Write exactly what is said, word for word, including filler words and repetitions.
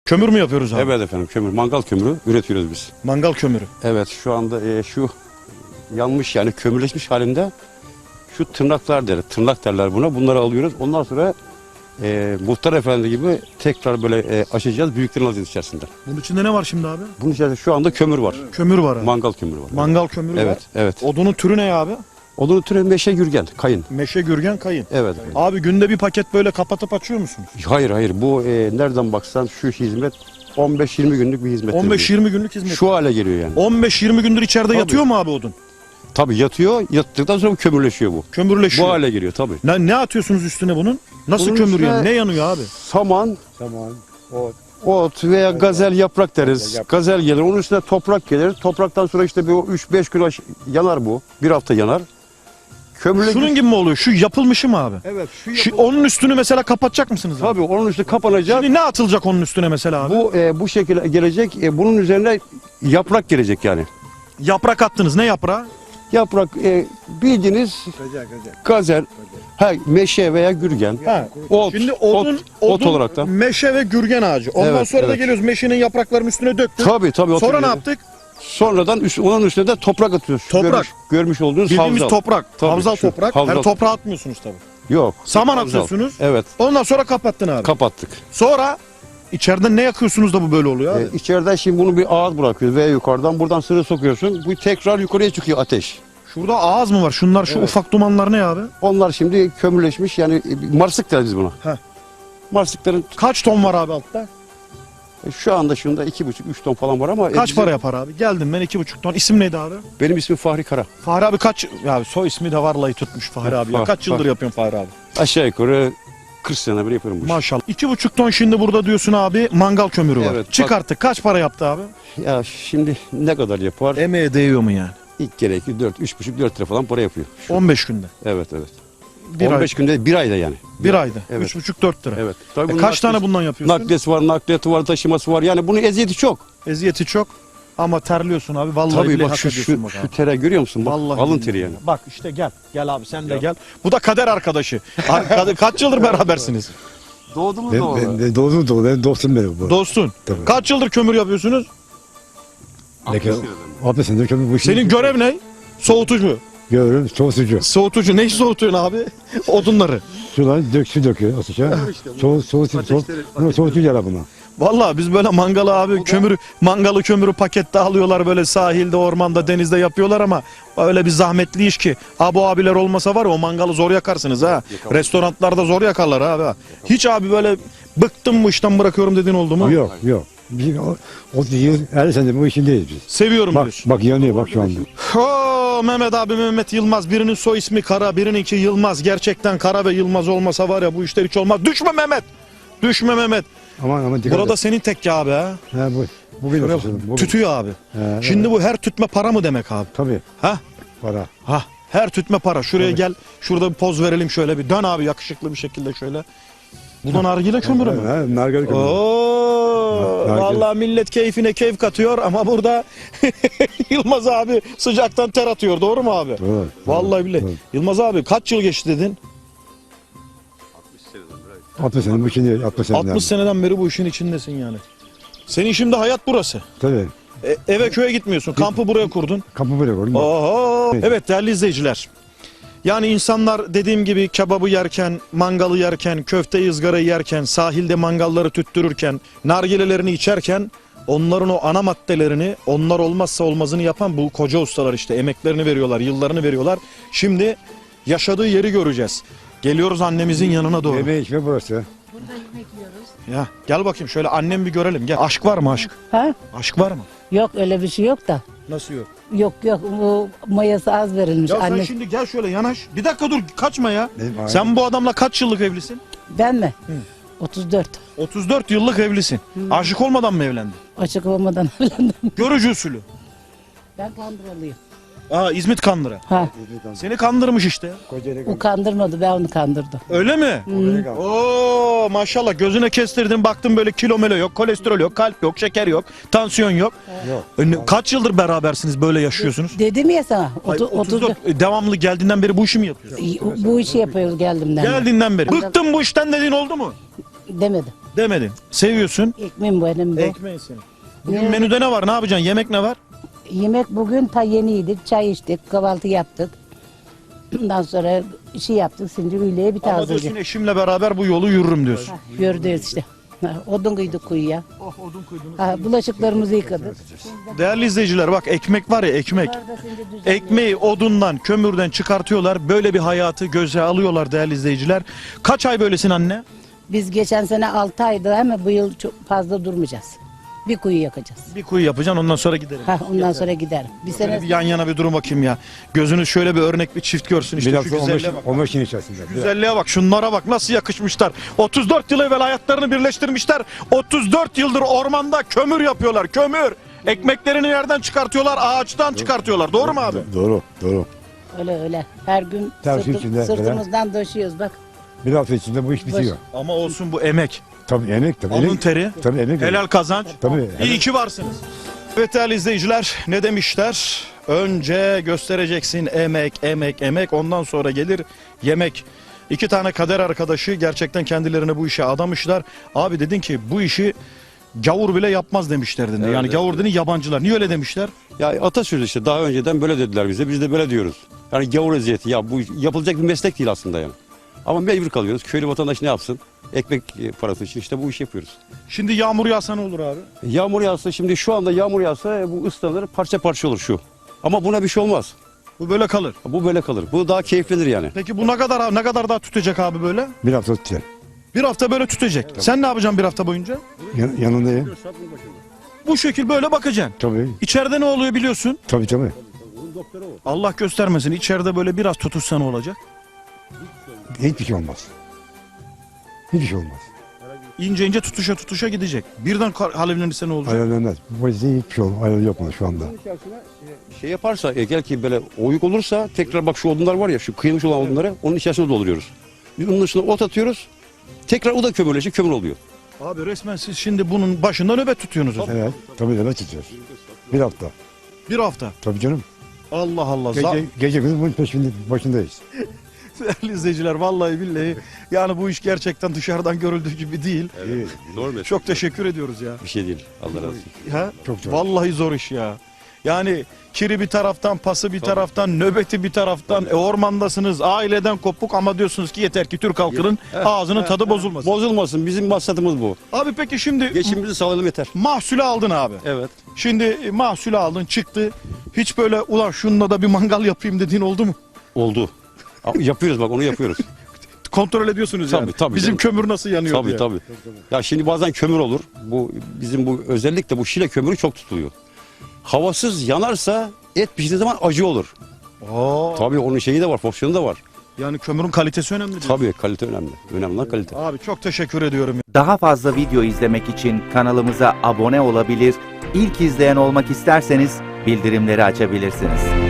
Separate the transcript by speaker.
Speaker 1: Kömür mü yapıyoruz abi?
Speaker 2: Evet efendim, kömür, mangal kömürü üretiyoruz biz.
Speaker 1: Mangal kömürü.
Speaker 2: Evet, şu anda e, şu yanmış yani kömürleşmiş halinde şu tırnaklar der, tırnak derler buna. Bunları alıyoruz. Ondan sonra e, muhtar efendi gibi tekrar böyle e, açacağız. Büyüklerini alacağız içerisinde.
Speaker 1: Bunun içinde ne var şimdi abi?
Speaker 2: Bunun içerisinde şu anda kömür var.
Speaker 1: Kömür var abi.
Speaker 2: Mangal kömürü var.
Speaker 1: Mangal kömürü
Speaker 2: Evet,
Speaker 1: var.
Speaker 2: evet.
Speaker 1: Odunun türü ne abi?
Speaker 2: Odun türü meşe gürgen, kayın.
Speaker 1: Meşe, gürgen, kayın.
Speaker 2: Evet. efendim.
Speaker 1: Abi günde bir paket böyle kapatıp açıyor musunuz?
Speaker 2: Hayır hayır, bu e, nereden baksan şu hizmet on beş yirmi günlük bir hizmet.
Speaker 1: on beş yirmi günlük hizmet.
Speaker 2: Şu hale geliyor yani.
Speaker 1: on beş yirmi gündür içeride
Speaker 2: Tabii.
Speaker 1: yatıyor mu abi odun?
Speaker 2: Tabii yatıyor, yattıktan sonra kömürleşiyor bu.
Speaker 1: Kömürleşiyor.
Speaker 2: Bu hale geliyor tabii.
Speaker 1: Ne, ne atıyorsunuz üstüne bunun? Nasıl
Speaker 2: Bunun
Speaker 1: kömür
Speaker 2: üstüne-
Speaker 1: yani? Ne yanıyor abi?
Speaker 2: Saman,
Speaker 3: Tamam. O
Speaker 2: ot veya gazel yaprak deriz.
Speaker 3: Gazel yaprak.
Speaker 2: Gazel gelir, onun üstüne toprak gelir. Topraktan sonra işte bir üç beş gün aş- yanar bu. Bir hafta yanar. Kömürle
Speaker 1: Şunun gibi mi oluyor? Şu yapılmışı mı abi?
Speaker 2: Evet, şu,
Speaker 1: Şu, onun üstünü mesela kapatacak mısınız abi?
Speaker 2: Tabii onun üstü kapanacak.
Speaker 1: Şimdi ne atılacak onun üstüne mesela abi?
Speaker 2: Bu e, bu şekilde gelecek. E, bunun üzerine yaprak gelecek yani.
Speaker 1: Yaprak attınız. Ne yaprağı?
Speaker 2: Yaprak e, bildiğiniz
Speaker 3: güzel güzel.
Speaker 2: gazel, ha, meşe veya gürgen.
Speaker 1: Ha.
Speaker 2: Ot,
Speaker 1: Şimdi odun,
Speaker 2: ot,
Speaker 1: odun,
Speaker 2: ot olarak da.
Speaker 1: meşe ve gürgen ağacı. Ondan
Speaker 2: Evet,
Speaker 1: sonra da
Speaker 2: evet.
Speaker 1: geliyoruz meşenin yapraklarının üstüne döktük.
Speaker 2: Tabii tabii.
Speaker 1: Sonra
Speaker 2: oturuyor.
Speaker 1: ne yaptık?
Speaker 2: Sonradan üst, onun üstüne de toprak atıyoruz.
Speaker 1: Toprak.
Speaker 2: Görmüş, görmüş olduğunuz
Speaker 1: Bildiğimiz
Speaker 2: havzal.
Speaker 1: toprak.
Speaker 2: Tabii,
Speaker 1: Havzal
Speaker 2: şu
Speaker 1: toprak.
Speaker 2: havzal.
Speaker 1: Her toprağı atmıyorsunuz tabii.
Speaker 2: Yok.
Speaker 1: Saman
Speaker 2: havzal.
Speaker 1: atıyorsunuz.
Speaker 2: Evet.
Speaker 1: Ondan sonra kapattın abi.
Speaker 2: Kapattık.
Speaker 1: Sonra içeriden ne yakıyorsunuz da bu böyle oluyor abi?
Speaker 2: Ee, içeriden şimdi bunu bir ağız bırakıyoruz veya yukarıdan buradan sırı sokuyorsun. Bu tekrar yukarıya çıkıyor ateş.
Speaker 1: Şurada ağız mı var? Şunlar şu
Speaker 2: Evet.
Speaker 1: ufak dumanlar ne abi?
Speaker 2: Onlar şimdi kömürleşmiş yani e, marsık deriz biz buna.
Speaker 1: Heh.
Speaker 2: Marsıkların
Speaker 1: Kaç ton var abi altta?
Speaker 2: e, şu anda şunda iki buçuk üç ton falan var ama e,
Speaker 1: Kaç
Speaker 2: bizim-
Speaker 1: para yapar abi? Geldim ben iki buçuk ton. İsim neydi abi?
Speaker 2: Benim ismim Fahri Kara.
Speaker 1: Fahri abi kaç? Ya soy ismi de varlayı tutmuş Fahri abi. Ya.
Speaker 2: Fah-
Speaker 1: Kaç yıldır
Speaker 2: Fah-
Speaker 1: yapıyorsun Fahri abi?
Speaker 2: Aşağı yukarı kırk sene bir yapıyorum bu işi.
Speaker 1: Maşallah. İki buçuk ton şimdi burada diyorsun abi mangal kömürü var.
Speaker 2: Evet, bak-
Speaker 1: Çıkarttık. Kaç para yaptı abi?
Speaker 2: Ya şimdi ne kadar yapar?
Speaker 1: Emeğe değiyor mu yani?
Speaker 2: İlk gerekli dört, üç buçuk, dört lira falan para yapıyor. Şu-
Speaker 1: on beş günde.
Speaker 2: Evet evet.
Speaker 1: Bir
Speaker 2: on
Speaker 1: ay.
Speaker 2: beş günde bir ayda yani.
Speaker 1: Bir ayda.
Speaker 2: Evet.
Speaker 1: Üç buçuk dört lira.
Speaker 2: Evet. Tabii
Speaker 1: E
Speaker 2: bunun
Speaker 1: kaç tane
Speaker 2: nakliyesi-
Speaker 1: bundan yapıyorsun?
Speaker 2: Nakliyesi var, nakliyatı var, taşıması var. Yani bunun eziyeti çok.
Speaker 1: Eziyeti çok. Ama terliyorsun abi. Vallahi
Speaker 2: Tabii
Speaker 1: billahi
Speaker 2: bak
Speaker 1: hak
Speaker 2: şu,
Speaker 1: ediyorsun
Speaker 2: şu,
Speaker 1: bak
Speaker 2: şu
Speaker 1: abi.
Speaker 2: tere görüyor musun? Bak,
Speaker 1: Vallahi
Speaker 2: alın
Speaker 1: billahi.
Speaker 2: teri yani.
Speaker 1: Bak işte gel. Gel abi sen de
Speaker 2: Ya.
Speaker 1: gel. Bu da kader arkadaşı. Ar- Kaç yıldır berabersiniz?
Speaker 2: Doğdu mu
Speaker 3: Ben, ben, ben doğdum doğdum. Ben dostum benim bu.
Speaker 1: Dostun.
Speaker 3: Tabii.
Speaker 1: Kaç yıldır kömür yapıyorsunuz?
Speaker 3: Peki, altı senedir kömür bu işi.
Speaker 1: Senin görev ne? Soğutucu.
Speaker 3: Görürüm soğutucu.
Speaker 1: Soğutucu. Neyi soğutuyorsun abi? Odunları.
Speaker 3: Sular dök, su döküyor ateşe. Soğut, soğut, soğut. Bunu soğutucu yarar buna.
Speaker 1: Vallahi biz böyle mangalı abi kömürü mangalı kömürü pakette alıyorlar böyle sahilde, ormanda, denizde yapıyorlar ama öyle bir zahmetli iş ki. Abi abiler olmasa var ya o mangalı zor yakarsınız ha. Restoranlarda zor yakarlar abi. ha. Hiç abi böyle bıktım bu işten bırakıyorum dediğin oldu mu?
Speaker 3: Yok yok. Biz o, o yıl elli senedir bu işindeyiz biz.
Speaker 1: Seviyorum
Speaker 3: Bak
Speaker 1: diyorsun.
Speaker 3: bak yanıyor bak şu anda.
Speaker 1: Oo, Mehmet abi Mehmet Yılmaz. Birinin soy ismi Kara, birininki Yılmaz. Gerçekten Kara ve Yılmaz olmasa var ya bu işler hiç olmaz. Düşme Mehmet. Düşme Mehmet.
Speaker 3: Aman aman dikkat
Speaker 1: Burada
Speaker 3: et.
Speaker 1: senin tekke abi ha.
Speaker 3: Ha, bu, bu benim
Speaker 1: Şuraya
Speaker 3: suçum,
Speaker 1: bak,
Speaker 3: bu benim.
Speaker 1: tütüyor abi.
Speaker 3: He,
Speaker 1: Şimdi
Speaker 3: evet.
Speaker 1: bu her tütme para mı demek abi?
Speaker 3: Tabii
Speaker 1: Ha?
Speaker 3: para.
Speaker 1: Ha, her tütme para. Şuraya
Speaker 3: Tabii.
Speaker 1: gel. Şurada bir poz verelim şöyle bir. Dön abi yakışıklı bir şekilde şöyle. Bu da nargile kömürü mü?
Speaker 3: Ha, nargile kömürü.
Speaker 1: Oo,
Speaker 3: Nargile.
Speaker 1: vallahi millet keyfine keyif katıyor ama burada Yılmaz abi sıcaktan ter atıyor. Doğru mu abi?
Speaker 3: Doğru,
Speaker 1: Vallahi
Speaker 3: doğru,
Speaker 1: billahi.
Speaker 3: doğru.
Speaker 1: Yılmaz abi kaç yıl geçti dedin?
Speaker 3: altmış sene bu işindeyiz. altmış sene.
Speaker 1: altmış seneden beri bu işin içindesin yani. Senin şimdi hayat burası.
Speaker 3: Tabii.
Speaker 1: E, eve köye gitmiyorsun. Kampı buraya kurdun.
Speaker 3: Kapı buraya koydum.
Speaker 1: Oho.
Speaker 3: Evet.
Speaker 1: Evet değerli izleyiciler. Yani insanlar dediğim gibi kebabı yerken, mangalı yerken, köfte ızgarayı yerken, sahilde mangalları tüttürürken, nargilelerini içerken onların o ana maddelerini, onlar olmazsa olmazını yapan bu koca ustalar işte emeklerini veriyorlar, yıllarını veriyorlar. Şimdi yaşadığı yeri göreceğiz. Geliyoruz annemizin yanına doğru.
Speaker 3: Yemeği içme burası.
Speaker 4: Burada yemek yiyoruz.
Speaker 1: Ya gel bakayım şöyle annem bir görelim. Gel. Aşk var mı aşk?
Speaker 4: Ha?
Speaker 1: Aşk var mı?
Speaker 4: Yok öyle bir şey yok da.
Speaker 1: Nasıl yok?
Speaker 4: Yok yok bu mayası az verilmiş.
Speaker 1: Ya sen
Speaker 4: Anne,
Speaker 1: şimdi gel şöyle yanaş. Bir dakika dur kaçma ya.
Speaker 3: Benim ailem-
Speaker 1: Sen bu adamla kaç yıllık evlisin?
Speaker 4: Ben mi? otuz dört.
Speaker 1: otuz dört yıllık evlisin. Aşık olmadan mı evlendin?
Speaker 4: Açık olmadan evlendim.
Speaker 1: Görücü usulü.
Speaker 4: Ben kandırılıyım.
Speaker 1: Aa İzmit Kandıra.
Speaker 4: Ha,
Speaker 1: Seni kandırmış işte.
Speaker 3: Kocaeli
Speaker 4: o kandırmadı ben onu kandırdım.
Speaker 1: Öyle mi? Oo maşallah gözüne kestirdin baktın böyle kilo melo yok, kolesterol yok, kalp yok, şeker yok, tansiyon yok.
Speaker 3: Yok.
Speaker 1: E, ne- Kaç yıldır berabersiniz böyle yaşıyorsunuz?
Speaker 4: Dedim ya sana.
Speaker 1: Ay,
Speaker 4: otu-
Speaker 1: otuz dört. E, devamlı geldiğinden beri bu işi mi yapıyorsun?
Speaker 4: otuz bu işi yapıyoruz geldiğimden. beri.
Speaker 1: Geldiğinden beri. Bıktım bu işten dediğin oldu mu?
Speaker 4: Demedim.
Speaker 1: Demedin. Seviyorsun.
Speaker 4: Ekmeğim bu elim bu.
Speaker 1: Ekmeği senin. Bugün
Speaker 4: Evet.
Speaker 1: menüde ne var? Ne yapacaksın? Yemek ne var?
Speaker 4: Yemek bugün ta yeni yedik. Çay içtik. Kahvaltı yaptık. Ondan sonra işi yaptık. Şimdi öğleye bir
Speaker 1: Ama
Speaker 4: taze.
Speaker 1: diyorsun eşimle beraber bu yolu yürürüm diyorsun.
Speaker 4: Yürüdüyoruz işte. Ha, odun kıydık kuyuya.
Speaker 1: Oh odun koydunuz.
Speaker 4: Ha, bulaşıklarımızı yıkadık.
Speaker 1: Değerli izleyiciler bak ekmek var ya ekmek.
Speaker 4: Yukarıda şimdi düzenli-
Speaker 1: Ekmeği odundan, kömürden çıkartıyorlar. Böyle bir hayatı göze alıyorlar değerli izleyiciler. Kaç ay böylesin anne?
Speaker 4: Biz geçen sene altı aydı ama bu yıl çok fazla durmayacağız. Bir kuyu yakacağız.
Speaker 1: Bir kuyu yapacaksın ondan sonra giderim.
Speaker 4: Ha, ondan sonra giderim. Bir
Speaker 1: Şöyle
Speaker 4: sene
Speaker 1: bir yan yana bir durun bakayım ya. Gözünüz şöyle bir örnek bir çift görsün işte
Speaker 3: Bir
Speaker 1: şu
Speaker 3: hafta on beş,
Speaker 1: güzelliğe bak.
Speaker 3: on beş gün içerisinde.
Speaker 1: Güzelliğe bak, şunlara bak nasıl yakışmışlar. otuz dört yıl evvel hayatlarını birleştirmişler. otuz dört yıldır ormanda kömür yapıyorlar, kömür. Ekmeklerini yerden çıkartıyorlar, ağaçtan çıkartıyorlar. Doğru mu abi?
Speaker 3: Doğru, doğru.
Speaker 4: öyle öyle. Her gün
Speaker 3: Tabii
Speaker 4: sırtı-
Speaker 3: içinde
Speaker 4: sırtımızdan döşüyoruz bak.
Speaker 3: Bir hafta içinde bu iş bitiyor.
Speaker 1: Ama olsun bu emek.
Speaker 3: Tabii emek tabii.
Speaker 1: Alın
Speaker 3: emek.
Speaker 1: teri,
Speaker 3: Tabii emek.
Speaker 1: helal kazanç.
Speaker 3: Tabii.
Speaker 1: İyi ki varsınız. Evet değerli izleyiciler ne demişler? Önce göstereceksin emek, emek, emek ondan sonra gelir yemek. İki tane kader arkadaşı gerçekten kendilerini bu işe adamışlar. Abi dedin ki bu işi gavur bile yapmaz demişler dedi.
Speaker 2: Evet,
Speaker 1: yani
Speaker 2: evet,
Speaker 1: gavur dedin yabancılar. Niye öyle demişler?
Speaker 2: Ya atasözü işte daha önceden böyle dediler bize. Biz de böyle diyoruz. Yani gavur eziyeti ya bu yapılacak bir meslek değil aslında yani. Ama mecbur kalıyoruz. Köylü vatandaş ne yapsın? Ekmek e, parası için işte bu işi yapıyoruz.
Speaker 1: Şimdi yağmur yağsa ne olur abi?
Speaker 2: Yağmur yağsa şimdi şu anda yağmur yağsa bu ıslanır parça parça olur şu. Ama buna bir şey olmaz.
Speaker 1: Bu böyle kalır.
Speaker 2: Bu böyle kalır. Bu daha keyiflidir yani.
Speaker 1: Peki bu ne kadar ne kadar daha tutacak abi böyle?
Speaker 3: Bir hafta tutacak.
Speaker 1: Bir hafta böyle tutacak. Sen ne yapacaksın bir hafta boyunca?
Speaker 3: Yan, yanındayım.
Speaker 1: Bu şekil böyle bakacaksın.
Speaker 3: Tabii.
Speaker 1: İçeride ne oluyor biliyorsun?
Speaker 3: Tabii tabii.
Speaker 1: Allah göstermesin. İçeride böyle biraz tutuşsa ne olacak?
Speaker 3: Hiçbir şey olmaz. Hiçbir şey olmaz.
Speaker 1: İnce ince tutuşa tutuşa gidecek. Birden kar- alevlenirse ne olacak?
Speaker 3: Ayarlanmaz. Bu yüzden hiçbir şey olmaz. Ayarlı yapmadı şu anda.
Speaker 2: Şey yaparsa e, gel ki böyle oyuk olursa tekrar bak şu odunlar var ya şu kıyılmış olan odunları onun içerisine dolduruyoruz. Biz onun üstüne ot atıyoruz. Tekrar o da kömürleşiyor kömür oluyor.
Speaker 1: Abi resmen siz şimdi bunun başında nöbet tutuyorsunuz.
Speaker 3: Evet. Tabii de tutacağız. Bir hafta.
Speaker 1: Bir hafta.
Speaker 3: Tabii canım.
Speaker 1: Allah Allah.
Speaker 3: Gece,
Speaker 1: Za-
Speaker 3: gece gündüz bunun peşinde, başındayız.
Speaker 1: Değerli izleyiciler vallahi billahi yani bu iş gerçekten dışarıdan görüldüğü gibi değil.
Speaker 2: Evet. Doğru mu?
Speaker 1: Çok teşekkür ediyoruz ya.
Speaker 2: Bir şey değil. Allah razı olsun.
Speaker 1: Ha?
Speaker 3: Çok zor.
Speaker 1: Vallahi zor iş ya. Yani kiri bir taraftan, pası bir taraftan, nöbeti bir taraftan, e, ormandasınız, aileden kopuk ama diyorsunuz ki yeter ki Türk halkının ağzının tadı bozulmasın.
Speaker 2: Bozulmasın. Bizim maksadımız bu.
Speaker 1: Abi peki şimdi
Speaker 2: Geçimimizi sağlayalım yeter.
Speaker 1: mahsulü aldın abi.
Speaker 2: Evet.
Speaker 1: Şimdi e, mahsulü aldın çıktı. Hiç böyle ulan şununla da bir mangal yapayım dediğin oldu mu?
Speaker 2: Oldu. Ama yapıyoruz bak onu yapıyoruz.
Speaker 1: Kontrol ediyorsunuz yani.
Speaker 2: Tabii, tabii
Speaker 1: Bizim
Speaker 2: canım.
Speaker 1: kömür nasıl yanıyor
Speaker 2: tabii
Speaker 1: diye.
Speaker 2: tabii. Ya şimdi bazen kömür olur. Bu bizim bu özellikle bu Şile kömürü çok tutuluyor. Havasız yanarsa et piştiği zaman acı olur.
Speaker 1: Oo,
Speaker 2: Tabii onun şeyi de var, fonksiyonu da var.
Speaker 1: yani kömürün kalitesi önemli diyor.
Speaker 2: Tabii kalite önemli. Önemli olan kalite.
Speaker 1: Abi çok teşekkür ediyorum.
Speaker 5: Daha fazla video izlemek için kanalımıza abone olabilir, ilk izleyen olmak isterseniz bildirimleri açabilirsiniz.